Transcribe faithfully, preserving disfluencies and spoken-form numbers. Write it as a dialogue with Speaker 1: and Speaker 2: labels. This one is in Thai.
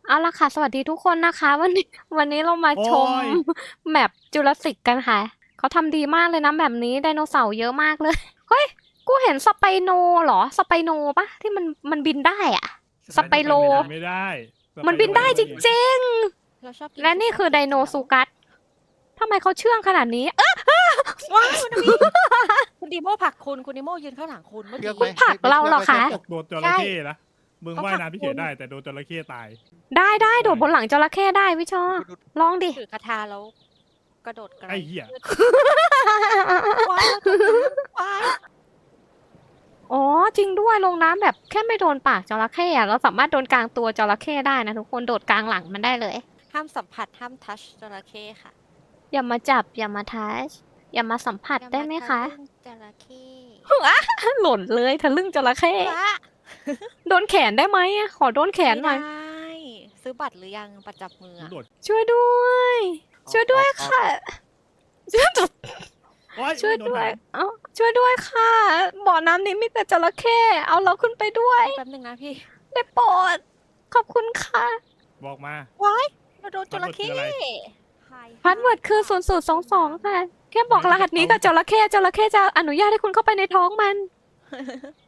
Speaker 1: เอาละค่ะ สวัสดีทุกคนนะคะ วันนี้ วันนี้เรามา
Speaker 2: โอ๊
Speaker 1: ชม
Speaker 2: ย
Speaker 1: แมป Jurassic กันค่ะ เขาทำดีมากเลยนะแมปนี้ ไดโนเสาร์เยอะมากเลย เฮ้ย กูเห็นสไปโนเหรอ สไปโนเปล่า? ที่มัน มันบินได้อะ สไปโล
Speaker 2: บินไม่ได้
Speaker 1: มันบินได้จริง
Speaker 3: เราชอบกิ
Speaker 1: ๆ
Speaker 3: น
Speaker 1: และนี่คือไดโนซูกัส ทำไมเขาเชื่องขนาดนี้ เอ๊ะ
Speaker 3: ว้าวคุณนิคุณดีโมผลักคุณ คุณดีโมยืนข้างหลังคุณเมื่อ
Speaker 4: เชื
Speaker 3: กี้
Speaker 4: อกไหม
Speaker 1: ผลักเราเหรอคะ
Speaker 4: ไม่
Speaker 2: ตกโดนจระเข้นะ มึงว่ายน้ำพี่เฉยได้ แต่โดนจระเข้ตาย
Speaker 1: ได้ได้โดดบนหลังจระเข้ได้วิชอ ลองดิ
Speaker 3: ถือกระทาแล้วกระโดดกระ
Speaker 2: ไอ้เหี้ย
Speaker 3: ว้าวว้าว
Speaker 1: อ๋อ จริงด้วย ลงน้ำแบบแค่ไม่โดนปากจระเข้อะเราสามารถโดนกลางตัวจระเข้ได้นะทุกคน โดดกลางหลังมันได้เลย
Speaker 3: ห้ามสัมผัสห้ามทัชจระเข้ค่ะ
Speaker 1: อย่ามาจับ อย่ามาทัช อย่ามาสัมผัสได้ไหมคะ
Speaker 3: อย่าาทำเรื่องจระเข้
Speaker 1: หล่นเลยทะลึ่งจระเข้
Speaker 3: ว้า
Speaker 1: โดนแขนได้ไหมอะขอโดนแขนหน่อย
Speaker 3: ไม่ได้ซื้อบัตรหรือยังประจับมือ
Speaker 2: มึง
Speaker 3: อะ
Speaker 2: โดด
Speaker 1: ช่วยด้วย ช่วยด้วยค่ะ ช่วยด้วย
Speaker 2: โอ๊ย
Speaker 1: ช่วย
Speaker 2: โน
Speaker 1: ด้วย
Speaker 2: หาง
Speaker 1: เอ้าช่วยด้วยค่ะ บ่อน้ำนี้มีแต่จระเข้ เอาเราขึ้นไปด้วย
Speaker 3: แป๊บนึงนะพี่
Speaker 1: ได้โปรด ขอบคุณค่ะ
Speaker 2: บอกมา
Speaker 3: ว้ายเราโดนจระเข้
Speaker 2: พาสเวิร์ดคืออะไร
Speaker 1: พาสเวิร์ดคือศูนย์ ศูนย์ สอง สอง ค่ะ แค่บอกรหัสนี้กับจระเข้จระเข้จะอนุญาตให้คุณเข้าไปในท้องมัน